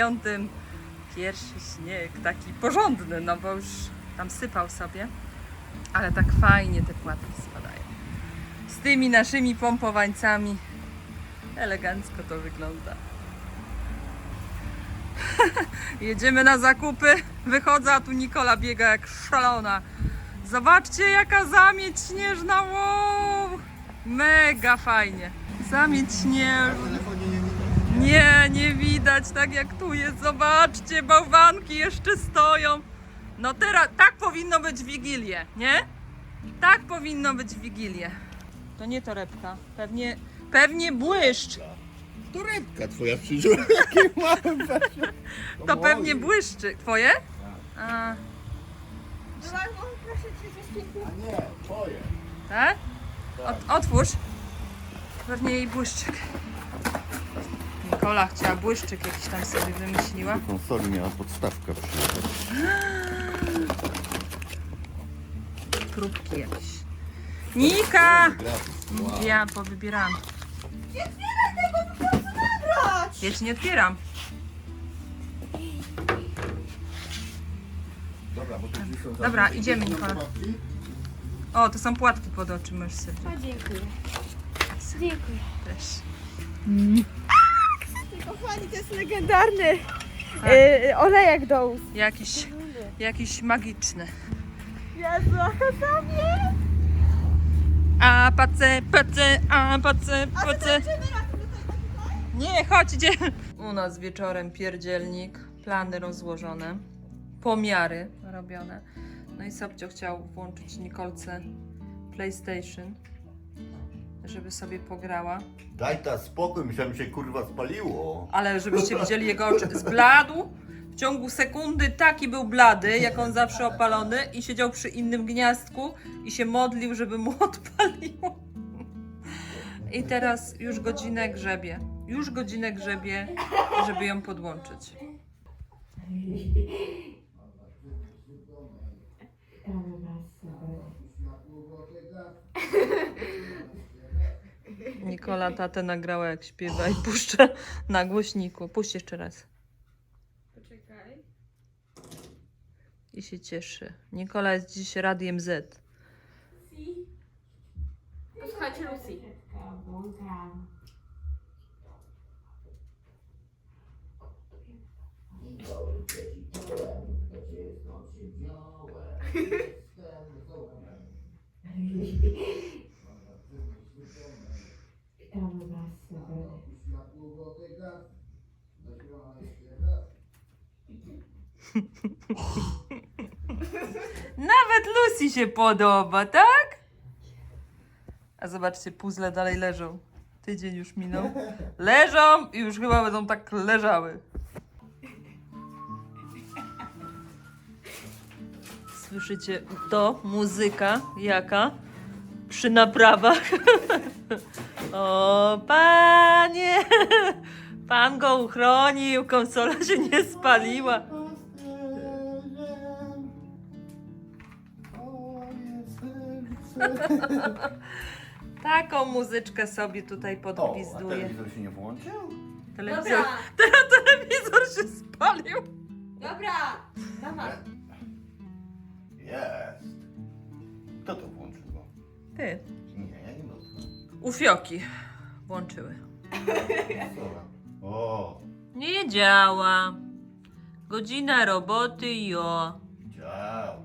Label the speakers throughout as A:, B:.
A: 9. Pierwszy śnieg, taki porządny, no bo już tam sypał sobie. Ale tak fajnie te płatki spadają. Z tymi naszymi pompowańcami. Elegancko to wygląda. Jedziemy na zakupy. Wychodzę, a tu Nikola biega jak szalona. Zobaczcie, jaka zamieć śnieżna. Wow! Mega fajnie. Zamieć śnieżna. Nie widać, tak jak tu jest. Zobaczcie, bałwanki jeszcze stoją. No teraz, tak powinno być w Wigilię, nie? Tak powinno być w Wigilię. To nie torebka, pewnie błyszcz.
B: Torebka twoja przyjrzała, jakie małe weźmie.
A: To pewnie błyszczy. Twoje? A,
C: Proszę cię,
B: A nie, twoje.
A: tak? Otwórz. Pewnie jej błyszczyk. Nikola chciała błyszczyk jakiś tam sobie wymyśliła.
B: Do konsoli miała podstawka przyjechać.
A: Próbki jakieś. Nika!
B: Gratis. Wow.
A: Ja powybierałam.
C: nie otwieraj tego, po prostu nabrać!
A: Ja ci nie otwieram.
B: Dobra, bo to gdzieś są
A: Dobra,
B: zamknięte
A: idziemy, Nikola.
B: pułapki.
A: O, to są płatki pod oczy, możesz sobie
C: O, dziękuję. Dziękuję.
A: też.
C: Kochani, to jest legendarny
A: Tak.
C: olejek do ust.
A: Jakiś magiczny.
C: Jezu, a sobie!
A: A pace. Nie, chodź, idziemy. U nas wieczorem pierdzielnik, plany rozłożone, pomiary robione. No i Sobcio chciał włączyć Nikolce PlayStation, żeby sobie pograła.
B: Daj ta spokój, myślałem, że się kurwa spaliło.
A: Ale żebyście widzieli jego oczy, zbladł. W ciągu sekundy taki był blady, jak on zawsze opalony, i siedział przy innym gniazdku i się modlił, żeby mu odpaliło. I teraz już godzinę grzebie. Żeby ją podłączyć. Nikola tatę nagrała, jak śpiewa i puszcza na głośniku. Puść jeszcze raz.
C: Poczekaj.
A: I się cieszy. Nikola jest dziś Radiem Z.
C: Posłuchajcie Lucy.
A: Nawet Lucy się podoba, tak? A zobaczcie, puzzle dalej leżą. Tydzień już minął. Leżą i już chyba będą tak leżały. Słyszycie to? Muzyka jaka? Przy naprawach. O, panie! Pan go uchronił, konsola się nie spaliła. Taką muzyczkę sobie tutaj
B: O, a
A: podgwizduje.
B: telewizor się nie włączył?
A: Telewizor,
C: Dobra,
A: telewizor się spalił.
C: dobra, dawaj.
B: Jest. Kto to włączył go?
A: Ty,
B: Nie, ja nie dotknę.
A: ufioki włączyły.
B: Dobra. O,
A: Nie działa. Godzina roboty, jo.
B: dział.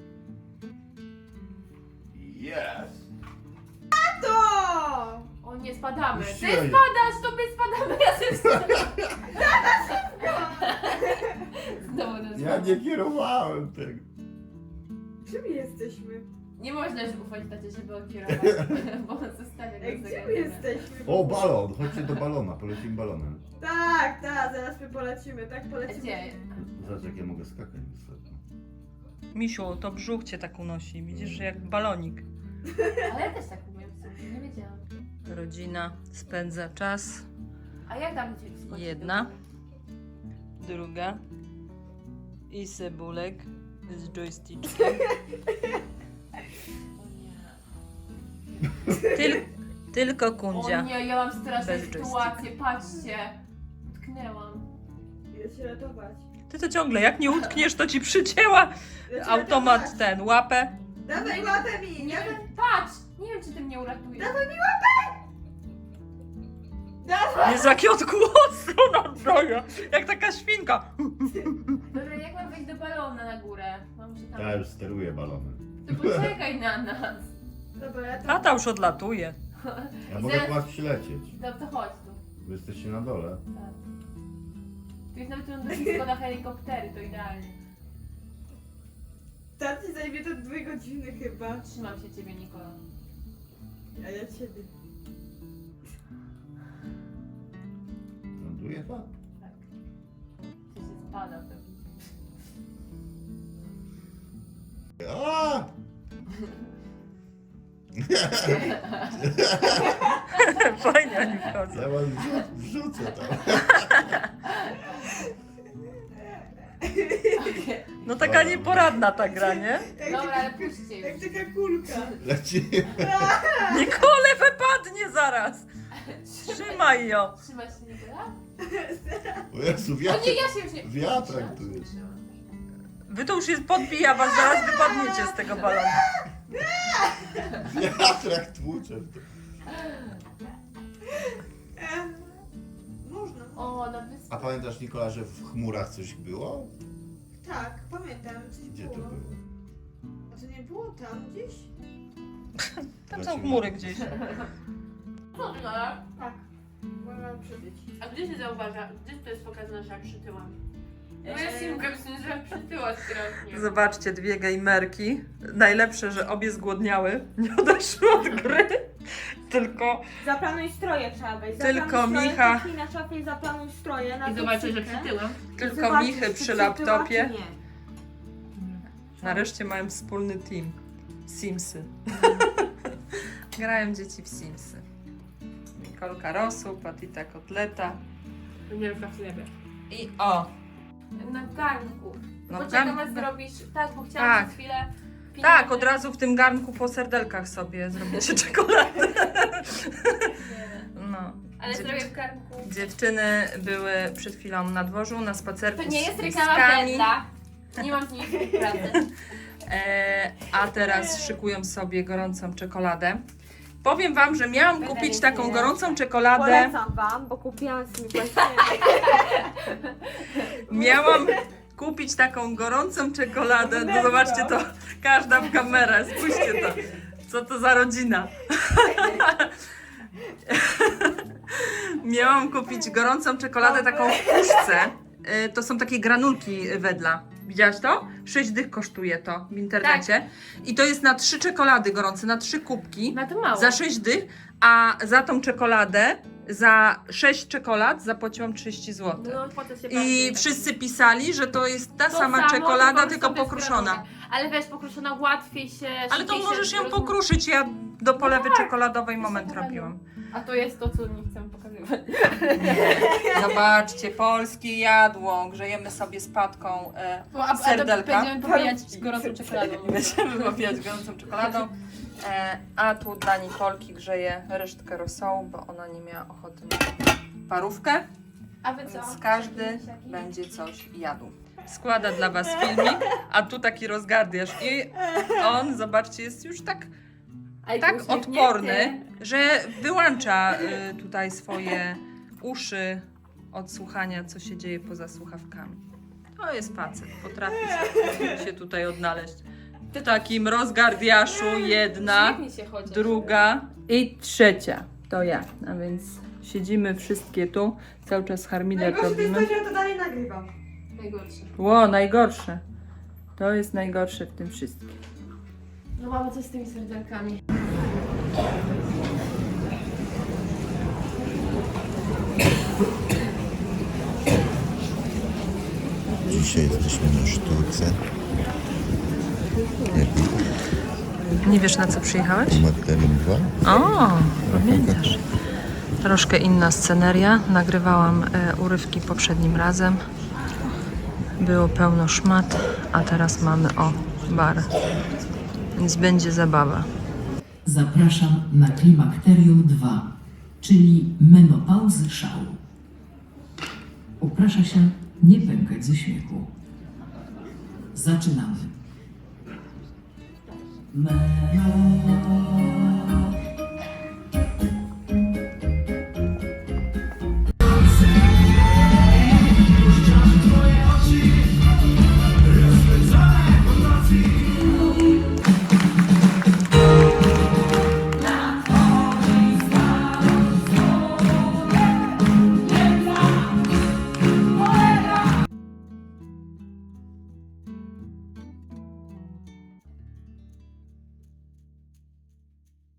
B: Jest.
C: To!
D: O nie, spadamy. Ty
B: Puściłem.
D: spadasz, to my spadamy razem z tobą. Znowu nas
B: Ja nie kierowałem tego.
C: Gdzie my jesteśmy?
D: Nie można już ufać tacie, żeby on kierował, bo on zostawia
C: Ej,
D: nas
C: gdzie my jesteśmy?
B: O, balon. Chodźcie do balona. Polecimy balonem.
C: Tak, zaraz my polecimy, tak polecimy.
D: Gdzie?
B: Zobacz, jak ja mogę skakać wysoko.
A: Misiu, to brzuch cię tak unosi. Widzisz, że jak balonik.
D: Ale ja też tak umiem, nie wiedziałam.
A: Rodzina spędza czas.
D: A jak tam cię wskoczyć?
A: Jedna. Druga. I Cebulek z joystickiem. Tylko
D: O
A: Kundzia.
D: nie, ja mam straszną
A: Bez
D: sytuację, patrzcie. Utknęłam.
C: Jest cię ratować.
A: Ty to ciągle, jak nie utkniesz, to ci przycięła automat ten, łapę.
C: Dawaj łapę mi!
D: Nie
C: Dawaj,
D: wiem, patrz! Nie wiem, czy ty mnie uratujesz.
C: dawaj mi łapę! Dawaj!
A: Jest jaki odgłos, ona droga, jak taka świnka.
D: Dobra, jak mam wejść do balona na górę? Mam się tam...
B: Ja już steruję balonem.
D: To poczekaj na nas.
C: Dobra, ja to...
A: Tata już odlatuje.
B: Ja mogę po was przylecieć.
D: To chodź tu.
B: Wy jesteście na dole.
D: Tak. Tu jest nawet lądowisko na helikoptery, to idealnie.
C: Tacy zajmie to 2 godziny chyba.
D: Trzymam się ciebie, Nikola.
C: A ja ciebie.
B: Ląduje pan?
D: Tak. Ty się spada pewnie.
B: A!
A: Fajnie oni wchodzą.
B: Ja was wrzucę tam.
A: No taka nieporadna ta gra, nie?
D: Dobra, ale puśćcie
C: Jak
D: już.
C: taka kulka.
B: Lecimy.
A: Nikole wypadnie zaraz. Trzymaj ją.
D: Trzymasz się, Nikola?
B: O Jezu,
D: O
B: wiatr.
D: nie, ja się już nie...
B: Wiatrak tu jest.
A: Wy to już jest podbija was, zaraz wypadniecie z tego balonu.
B: Wiatrak tłucze.
C: Można.
D: O, na wyspie.
B: A pamiętasz, Nikola, że w chmurach coś było?
C: Tak, pamiętam. Coś
B: Gdzie to
C: było.
B: było?
C: A to nie było tam gdzieś?
A: Tam są chmury gdzieś.
D: Co ty gadasz?
C: Tak. Mogłam przybyć.
D: A gdzie się zauważa? Gdzie to jest pokazane, że ja przytyłam? Moja simka myślę, że ja przytyła strasznie.
A: Zobaczcie, 2 gejmerki. Najlepsze, że obie zgłodniały. Nie odeszły od gry. Tylko
C: Zaplanuj stroje trzeba wejść.
A: Tylko
C: Zaplanuj stroje,
A: Micha.
C: kliknij na szafie i zaplanuj stroje. Na
D: I zobaczę, że
C: toksyczkę.
D: przytyłam.
A: tylko
C: Zobaczysz,
A: Michy
C: czy
A: przy
C: przytyła,
A: laptopie.
C: czy nie.
A: Nareszcie mają wspólny team. Simsy. Grają dzieci w Simsy. Nikolka rosół, Patita kotleta.
D: Wielka w chlebie.
A: I o!
D: Na garnku.
A: No,
D: Poczekam,
A: garnku.
D: aż zrobisz. Tak, bo chciałam
A: Tak.
D: przez chwilę...
A: Tak, od razu w tym garnku po serdelkach sobie zrobicie czekoladę. No.
D: Ale
A: Dziew-
D: zrobię w garnku.
A: Dziewczyny były przed chwilą na dworzu, na spacerku
D: To nie
A: z
D: jest reklama
A: pieskami.
D: Wendla. Nie mam z niej współpracy.
A: A teraz szykują sobie gorącą czekoladę. Powiem wam, że miałam
D: Będę
A: kupić
D: mieć
A: taką
D: nie.
A: gorącą czekoladę.
C: Polecam wam, bo kupiłam z nimi
A: Miałam kupić taką gorącą czekoladę. No zobaczcie to, każda w kamerę, spójrzcie to. Co to za rodzina? Miałam kupić gorącą czekoladę taką w puszce. To są takie granulki Wedla. Widziałaś to? 6 dych kosztuje to w internecie. I to jest na 3 czekolady gorące, na 3 kubki.
D: No to mało.
A: Za 6 dych, a za tą czekoladę, za 6 czekolad zapłaciłam 30 zł.
D: No, po to się
A: I
D: bardziej-
A: wszyscy pisali, że to jest ta
D: To
A: sama
D: samo,
A: czekolada, tylko
D: sobie
A: pokruszona.
D: skrojowe. Ale wiesz, pokruszona łatwiej się...
A: Ale to
D: szybciej się
A: możesz ją
D: roz-
A: pokruszyć. Ja do polewy czekoladowej moment
D: super, no.
A: robiłam.
D: A to jest to, co nie chcę pokazywać.
A: Zobaczcie, polskie jadło. Grzejemy sobie z Patką serdelka.
D: Będziemy popijać gorącą czekoladą.
A: Będziemy popijać gorącą czekoladą. A tu dla Nikolki grzeję resztkę rosołu, bo ona nie miała ochoty na parówkę.
D: A wy co?
A: Więc każdy będzie coś jadł. Składa dla was filmik, a tu taki rozgardiasz. I on, zobaczcie, jest już tak odporny, że wyłącza tutaj swoje uszy od słuchania, co się dzieje poza słuchawkami. To jest facet, potrafi się tutaj odnaleźć. W takim rozgardiaszu jedna,
D: Uśmiechnij się chociaż.
A: druga i trzecia. To ja. A więc siedzimy wszystkie tu, cały czas harmider
C: Najgorsze to jest
A: robimy.
C: to, że ja to dalej nagrywam.
D: Najgorsze.
A: Ło, najgorsze. To jest najgorsze w tym wszystkim.
D: No mamo, co z tymi serdelkami?
B: Dzisiaj jesteśmy na sztuce.
A: Nie wiesz, na co przyjechałeś?
B: Magdalena 2.
A: O, pamiętasz. Troszkę inna sceneria. Nagrywałam urywki poprzednim razem. Było pełno szmat, a teraz mamy bar. Więc będzie zabawa.
E: Zapraszam na Klimakterium 2, czyli menopauzy szału. Uprasza się Nie pękać ze śmiechu. Zaczynamy. Melody.